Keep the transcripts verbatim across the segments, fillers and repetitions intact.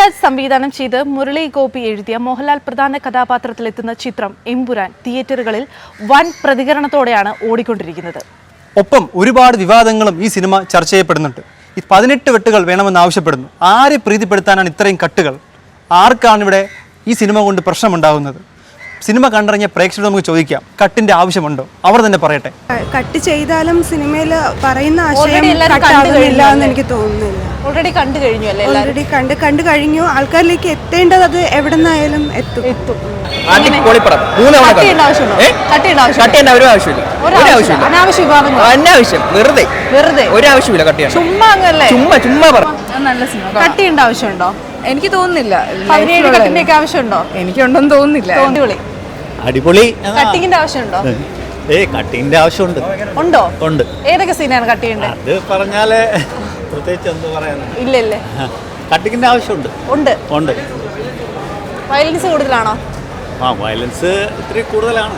പൃഥ്വിരാജ് സംവിധാനം ചെയ്ത് മുരളി ഗോപി എഴുതിയ മോഹൻലാൽ പ്രധാന കഥാപാത്രത്തിലെത്തുന്ന ചിത്രം എമ്പുരാൻ തിയേറ്ററുകളിൽ വൻ പ്രതികരണത്തോടെയാണ് ഓടിക്കൊണ്ടിരിക്കുന്നത്. ഒപ്പം ഒരുപാട് വിവാദങ്ങളും ഈ സിനിമ ചർച്ച ചെയ്യപ്പെടുന്നുണ്ട്. ഈ പതിനെട്ട് വെട്ടുകൾ വേണമെന്ന് ആവശ്യപ്പെടുന്നു. ആരെ പ്രീതിപ്പെടുത്താനാണ് ഇത്രയും കട്ടുകൾ? ആർക്കാണ് ഇവിടെ ഈ സിനിമ കൊണ്ട് പ്രശ്നമുണ്ടാകുന്നത്? സിനിമ കണ്ടിറങ്ങിയ പ്രേക്ഷകരോട് നമുക്ക് ചോദിക്കാം, കട്ടിന്റെ ആവശ്യമുണ്ടോ? അവർ തന്നെ പറയട്ടെ. കട്ട് ചെയ്താലും സിനിമയിൽ പറയുന്ന ആശയം കട്ടാകുന്നില്ല എന്ന് എനിക്ക് തോന്നുന്നില്ല. ഓൾറെഡി കണ്ടു കഴിഞ്ഞു അല്ലേ? ഓൾറെഡി കണ്ട് കണ്ടു കഴിഞ്ഞു. ആൾക്കാരിലേക്ക് എത്തേണ്ടത് അത് എവിടെ നിന്നായാലും എത്തും എത്തും ആവശ്യമുണ്ടോ? എനിക്ക് തോന്നുന്നില്ല. ആവശ്യമുണ്ടോ? എനിക്കുണ്ടെന്ന് തോന്നുന്നില്ല. അടിപൊളി. കട്ടിങ്ങിന്റെ ആവശ്യമുണ്ടോ? ഏ കട്ടിങ്ങിന്റെ ആവശ്യമുണ്ട്. ഉണ്ടോ? ഉണ്ട്. ഏതൊക്കെ സീനാണ് കട്ട് ചെയ്യേണ്ടത്? അത് പറഞ്ഞാല് പ്രത്യേകിച്ച് എന്ത് പറയാനാ? ഇല്ല ഇല്ലേ, കട്ടിങ്ങിന്റെ ആവശ്യമുണ്ട്. ഉണ്ട് ഉണ്ട്. വയലൻസ് കൂടുതലാണോ? ആ വയലൻസ് ഇത്തിരി കൂടുതലാണ്.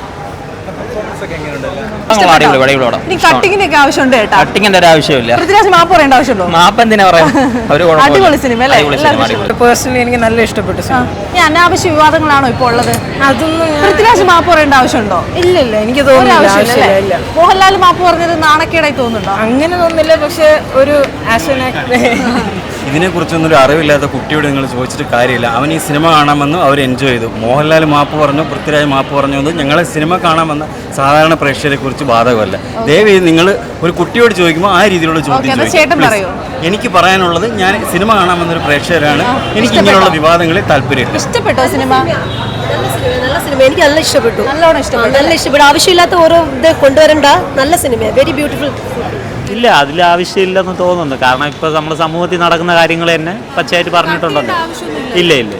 കട്ടിങ്ങിന്റെ ഒക്കെ ആവശ്യമുണ്ട് കേട്ടോ. കട്ടിങ്ങിന്റെ ഒരു ആവശ്യമില്ല. പൃഥ്വിരാജ് മാപ്പ് പറയേണ്ട ആവശ്യമുണ്ടോ? മാപ്പ് എന്തിനാ പറയാ? അടിപൊളി സിനിമ അല്ലേ? പേഴ്സണലി എനിക്ക് നല്ല ഇഷ്ടപ്പെട്ടു. ഈ അനാവശ്യ വിവാദങ്ങളാണോ ഇപ്പോൾ ഉള്ളത്? അതൊന്നും പൃഥ്വിരാജ് മാപ്പ് പറയേണ്ട ആവശ്യമുണ്ടോ? ഇല്ല ഇല്ല, എനിക്ക് തോന്നുന്നില്ല. മോഹൻലാൽ മാപ്പ് പറഞ്ഞത് നാണക്കേടായി തോന്നുന്നുണ്ടോ? അങ്ങനെ തോന്നുന്നില്ല, പക്ഷെ ഒരു ഇതിനെക്കുറിച്ചൊന്നും ഒരു അറിവില്ലാത്ത കുട്ടിയോട് നിങ്ങൾ ചോദിച്ചിട്ട് കാര്യമില്ല. അവൻ ഈ സിനിമ കാണാമെന്ന് അവർ എൻജോയ് ചെയ്തു. മോഹൻലാൽ മാപ്പ് പറഞ്ഞു, പൃഥ്വിരാജ് മാപ്പ് പറഞ്ഞു എന്ന് ഞങ്ങൾ സിനിമ കാണാമെന്ന സാധാരണ പ്രേക്ഷകരെ കുറിച്ച് ബാധകമല്ല. ദയവ് നിങ്ങൾ ഒരു കുട്ടിയോട് ചോദിക്കുമ്പോൾ ആ രീതിയിലുള്ള ചോദ്യം ചോദിക്കും. എനിക്ക് പറയാനുള്ളത്, ഞാൻ സിനിമ കാണാമെന്നൊരു പ്രേക്ഷകരാണ്. എനിക്ക് ഇങ്ങനെയുള്ള വിവാദങ്ങളിൽ താല്പര്യമില്ല. ഇഷ്ടപ്പെട്ടോ സിനിമ? നല്ല സിനിമ, എനിക്ക് നല്ല ഇഷ്ടപ്പെട്ടു. നല്ലോണം ഇഷ്ടപ്പെട്ടു. നല്ല ഇഷ്ടപ്പെട്ടു. ആവശ്യമില്ലാത്ത ഓരോ ഇത് കൊണ്ടുവരണ്ട. നല്ല സിനിമ, വെരി ബ്യൂട്ടിഫുൾ. ഇല്ല, അതിൽ ആവശ്യമില്ലെന്ന് തോന്നുന്നു. കാരണം ഇപ്പൊ നമ്മുടെ സമൂഹത്തിൽ നടക്കുന്ന കാര്യങ്ങൾ തന്നെ പച്ചയായിട്ട് പറഞ്ഞിട്ടുണ്ടല്ലോ. ഇല്ല ഇല്ല,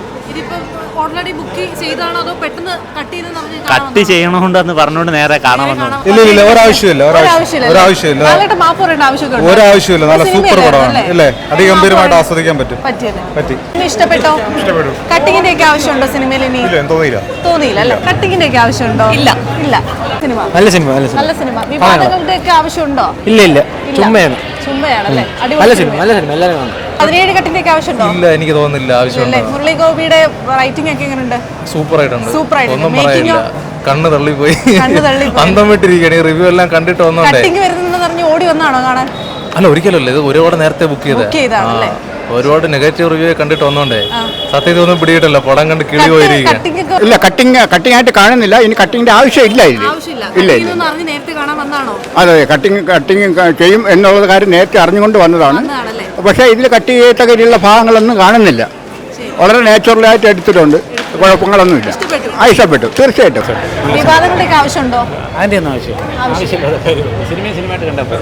കട്ട് ചെയ്യണോണ്ടെന്ന് പറഞ്ഞോണ്ട് നേരെ കാണാമെന്ന്. ഇല്ല ഇല്ല, ഒരാവശ്യമില്ല ഒരാവശ്യമില്ല ഒരാവശ്യമില്ല. നല്ല സൂപ്പർ പടമാണ് അല്ലേ? അതിഗംഭീരമായിട്ട് ആസ്വദിക്കാൻ പറ്റും. പറ്റി. ഇഷ്ടപ്പെട്ടോ? ഇഷ്ടപ്പെട്ടു. കട്ടിങ്ങിന്റെ ഒക്കെ ആവശ്യമുണ്ടോ സിനിമയിൽ? ഇനി തോന്നിയില്ല തോന്നിയില്ല അല്ലേ? കട്ടിങ്ങിന്റെ ഒക്കെ ആവശ്യമുണ്ടോ? ഇല്ല ഇല്ല. സിനിമ നല്ല സിനിമ നല്ല സിനിമ. വിവാദങ്ങളുടെ ഒക്കെ ആവശ്യമുണ്ടോ? ഇല്ല ഇല്ല, ചുമ്മയാണ് ചുമ്മയാണല്ലേ? നല്ല സിനിമ നല്ല സിനിമ എല്ലാവരും കാണും. പതിനേഴ് കട്ടിന്റെ ഒക്കെ ആവശ്യമുണ്ടോ? ഇല്ല, എനിക്ക് തോന്നുന്നില്ല ആവശ്യമുണ്ട്. മുരളി ഗോപിയുടെ റൈറ്റിംഗ് ഒക്കെ എങ്ങനെയുണ്ട്? സൂപ്പർ ആയിട്ടുണ്ട്. സൂപ്പർ ആയിട്ട്. ഒന്നും പറയാനില്ല. കണ്ണ് തള്ളിപ്പോയി, അന്തം വിട്ടിരിക്കുകയാണ്. ഈ റിവ്യൂ എല്ലാം കണ്ടിട്ട് വന്നോണ്ടേ. കട്ടിങ് വരുന്നെന്ന് പറഞ്ഞ് ഓടി വന്നാണോ കാണാൻ? അല്ല, ഒരിക്കലല്ല, ഇത് ഒരുപാട് നേരത്തെ ബുക്ക് ചെയ്തേ. ഒരുപാട് നെഗറ്റീവ് റിവ്യൂ കണ്ടിട്ട് വന്നോണ്ടേ സത്യത്തിൽ ഒന്നും പിടിയിട്ടല്ലോ. പടം കണ്ട് കിളി പോയിരിക്കുക. ഇല്ല, കട്ടിങ് കട്ടിങ് ആയിട്ട് കാണുന്നില്ല. ഇനി കട്ടിങ്ങിന്റെ ആവശ്യം ഇല്ല. ഇല്ല ഇല്ല, അതെ, കട്ടിങ് കട്ടിങ് ചെയ്യും എന്നുള്ള കാര്യം നേരത്തെ അറിഞ്ഞുകൊണ്ട് വന്നതാണ്. പക്ഷേ ഇതിൽ കട്ട് ചെയ്യത്തക്ക രീതിയിലുള്ള ഭാഗങ്ങളൊന്നും കാണുന്നില്ല. വളരെ നാച്ചുറലായിട്ട് എടുത്തിട്ടുണ്ട്. കുഴപ്പങ്ങളൊന്നുമില്ല. ആ, ഇഷ്ടപ്പെട്ടു തീർച്ചയായിട്ടും. വിവാദങ്ങളുടെയൊക്കെ ആവശ്യമുണ്ടോ? അതിൻ്റെ ഒന്നും ആവശ്യം ആവശ്യമില്ല. സിനിമ സിനിമയായിട്ട് കണ്ടപ്പോൾ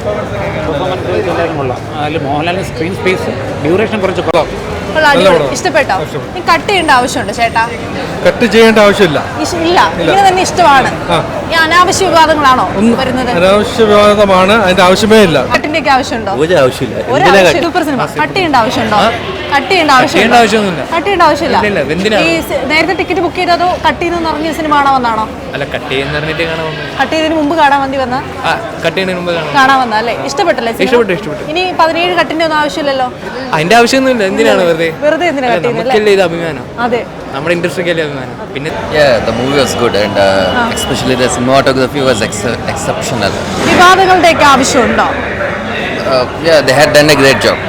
അതിൽ മോഹൻലാലിന് സ്ക്രീൻ സ്പേസ് ഡ്യൂറേഷൻ കുറച്ച് കുറവാണ്. ഇഷ്ടപ്പെട്ടോ? കട്ട് ചെയ്യേണ്ട ആവശ്യമുണ്ടോ ചേട്ടാ? കട്ട് ചെയ്യേണ്ട ആവശ്യമില്ല. ഇല്ല, ഇങ്ങനെ തന്നെ ഇഷ്ടമാണ്. ഈ അനാവശ്യ വിവാദങ്ങളാണോ വരുന്നത്? അനാവശ്യ വിവാദമാണ്, അതിന്റെ ആവശ്യമേ ഇല്ല. കട്ടിന്റെ ഒക്കെ ആവശ്യമുണ്ടോ? ഒരു ആവശ്യമില്ല. Super cinema. കട്ട് ചെയ്യേണ്ട ആവശ്യമുണ്ടോ? കട്ട് ചെയ്യേണ്ട ആവശ്യമില്ല. കട്ട് ചെയ്യേണ്ട ആവശ്യമില്ല. ഈ നേരത്തെ ടിക്കറ്റ് ബുക്ക് ചെയ്തതോ കട്ട് ചെയ്തെന്ന് പറഞ്ഞ സിനിമ കാണാൻ വന്നാണോ? അല്ല, കട്ട് ചെയ്യുന്ന കട്ട് ചെയ്തതിന് മുമ്പ് കാണാൻ വേണ്ടി വന്ന കാണാൻ വന്ന അല്ലേ? ഇഷ്ടപ്പെട്ടല്ലേ? ഇഷ്ടപ്പെട്ടു ഇഷ്ടപ്പെട്ടു. ഇനി പതിനേഴ് കട്ടിന്റെ ഒന്നും ആവശ്യമില്ലല്ലോ. അതിന്റെ ആവശ്യമൊന്നുമില്ല. എന്തിനാണ് വെറുതെ വെറുതെ എന്തിനാ കട്ട് ചെയ്യുന്നത്? ഇത് അഭിമാനം. അതെ, നമ്മുടെ ഇൻഡസ്ട്രിക്കല്ലേ അഭിമാനം. പിന്നെ yeah, the movie was good and uh, especially the cinematography was ex exceptional. വിവാദങ്ങളുടെയൊക്കെ ആവശ്യമുണ്ടോ? Uh, yeah, they had done a great job.